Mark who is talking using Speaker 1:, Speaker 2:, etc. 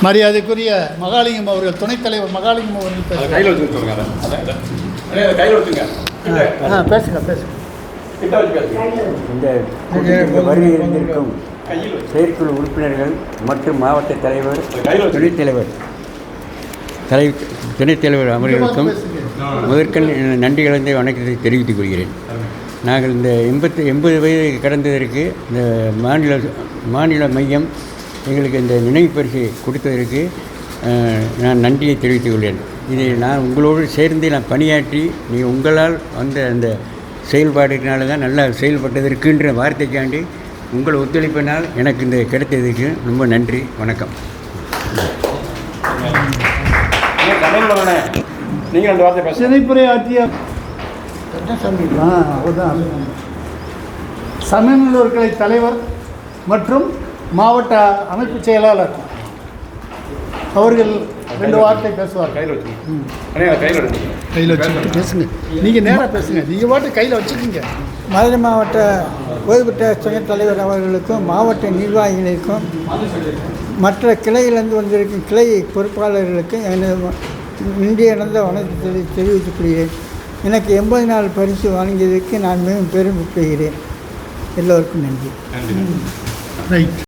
Speaker 1: மரியாதைக்குரிய மகாலிங்கம் அவர்கள், துணைத் தலைவர் மகாலிங்கம் அவர்கள் பேசுங்க.
Speaker 2: இந்த வருகை இருந்திருக்கும் செயற்குழு உறுப்பினர்கள் மற்றும் மாவட்ட தலைவர், துணைத் தலைவர் அவர்களுக்கும் முதற்கண் நன்றி கலந்த வணக்கத்தை தெரிவித்துக் கொள்கிறேன். நாங்கள் இந்த 80 வயது கடந்ததற்கு இந்த மாநில மையம் எங்களுக்கு இந்த நினைவு பரிசை கொடுத்ததற்கு நான் நன்றியை தெரிவித்துக் கொள்கிறேன். இதை நான் உங்களோடு சேர்ந்து நான் பணியாற்றி உங்களால் வந்த அந்த செயல்பாடுனால தான் நல்லா செயல்பட்டதற்குன்ற வார்த்தைக்காண்டி உங்கள் ஒத்துழைப்பினால் எனக்கு இந்த கிடைத்ததுக்கு ரொம்ப நன்றி. வணக்கம்.
Speaker 1: நீங்கள் அந்த வார்த்தை சினைப்புரை ஆற்றிய சமயநல்லூர் கிளை தலைவர் மற்றும் மாவட்ட அமைப்பு செயலாளர் அவர்கள் 2 வார்த்தை பேசுவார். கையில் வச்சுக்கிட்டு பேசுங்க. நீங்கள் நேராக பேசுங்க. நீங்கள் வாட்டு கையில் வச்சுக்கோங்க.
Speaker 3: மதுரை மாவட்ட ஓய்வு பெற்ற துணைத் தலைவர் அவர்களுக்கும் மாவட்ட நிர்வாகிகளுக்கும் மற்ற கிளையிலிருந்து வந்திருக்கும் கிளை பொறுப்பாளர்களுக்கும் எனது இன்றைய நடந்த வணக்கத்தை தெரிவித்துக் கொள்கிறேன். எனக்கு 80 நாள் பரிசு வழங்கியதற்கு நான் மிகவும் பெருமைப்படுகிறேன். எல்லோருக்கும் நன்றி.